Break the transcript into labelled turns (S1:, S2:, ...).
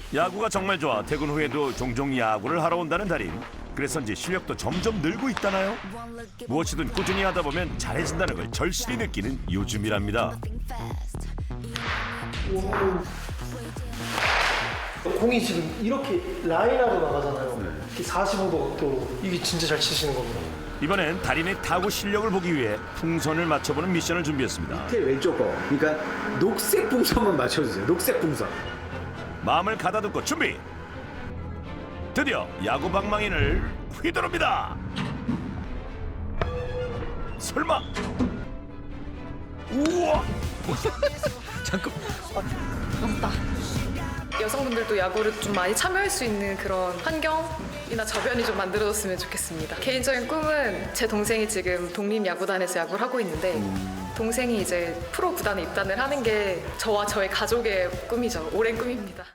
S1: 야구가 정말 좋아 퇴근 후에도 종종 야구를 하러 온다는 달인. 그래서인지 실력도 점점 늘고 있다나요? 무엇이든 꾸준히 하다 보면 잘해진다는 걸 절실히 느끼는 요즘이랍니다.
S2: 공이 지금 이렇게 라인하고 나가잖아요. 이렇게 45도 각도로. 이게 진짜 잘 치시는 겁니다.
S1: 이번엔 달인의 타구 실력을 보기 위해 풍선을 맞춰보는 미션을 준비했습니다.
S3: 밑에 왼쪽 거. 그러니까 녹색 풍선만 맞춰주세요. 녹색 풍선.
S1: 마음을 가다듬고 준비. 드디어 야구 방망이를 휘두릅니다. 설마? 우와!
S4: 없다. 여성분들도 야구를 좀 많이 참여할 수 있는 그런 환경이나 저변이 좀 만들어졌으면 좋겠습니다. 개인적인 꿈은 제 동생이 지금 독립야구단에서 야구를 하고 있는데 동생이 이제 프로 구단에 입단을 하는 게 저와 저의 가족의 꿈이죠. 오랜 꿈입니다.